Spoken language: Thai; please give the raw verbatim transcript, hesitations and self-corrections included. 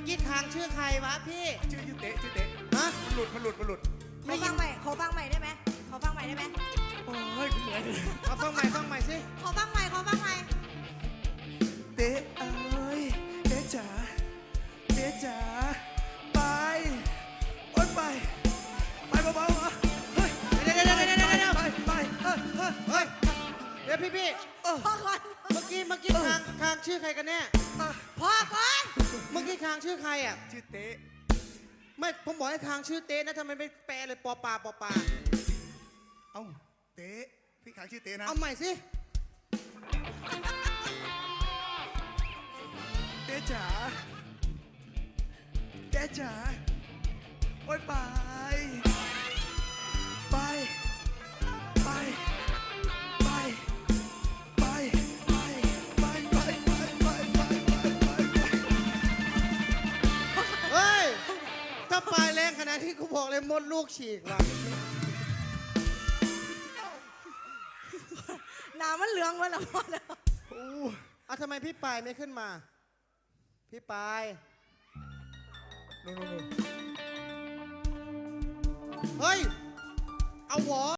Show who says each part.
Speaker 1: อกี้ทางชื่อใครวะพี่
Speaker 2: ชื่อชื่อเตะชื่อเตะ
Speaker 1: ฮะ
Speaker 2: มันหลุดมันหลุดมันหลุด
Speaker 3: ขอฟังใหม่ขอฟังใหม่ได้ไหมขอฟังใหม่ได้ไหม
Speaker 2: โอ้ยเหนื่อย
Speaker 1: เอาฟังใหม่ฟังใหม่สิ
Speaker 3: ขอฟังใหม่ขอฟังใหม่
Speaker 2: เตะเอ้ยเตะจ๋าเตะจ๋าไปโอ๊ยไปไปเบาๆเหรอเฮ้ย
Speaker 1: เดี๋ยวเดี๋ยวเดี๋ยวเดี๋ยวเดี๋ยว
Speaker 2: ไปไปเฮ้ยเฮ้ย
Speaker 1: เฮ้ยเดี๋ยวพี่พี่
Speaker 3: พอก่อน
Speaker 1: เมื่อกี้เมื่อกี้ทางทางชื่อใครกันแน่
Speaker 3: พอก่อน
Speaker 1: เมื่อกี้ทางชื่อใครอ่ะ
Speaker 2: ชื่อเตะ
Speaker 1: ไม่ผมบอกให้ทางชื่อเต้นะทำไมไม่แปลเลยปอปลาปอปลา
Speaker 2: เอ้าเตะพี่ขางชื่อเตะนะ
Speaker 1: เอาใหม่สิ
Speaker 2: เตะจ๋าเตะจ๋าโอ๊ยไปไปไปไปไปไปไปไปไปไปไปไป
Speaker 1: เฮ้ยถ้าปลายแรงขนาดที่กูบอกเลยมดลูกฉีกว่ะ
Speaker 3: หนามันเหลืองวะล่ะพอแล้ว
Speaker 2: โอ้
Speaker 1: เอาทำไมพี่ปลายไม่ขึ้นมา พี่ปลาย
Speaker 2: โน่นโน่น
Speaker 1: เฮ้ย เอาหวอ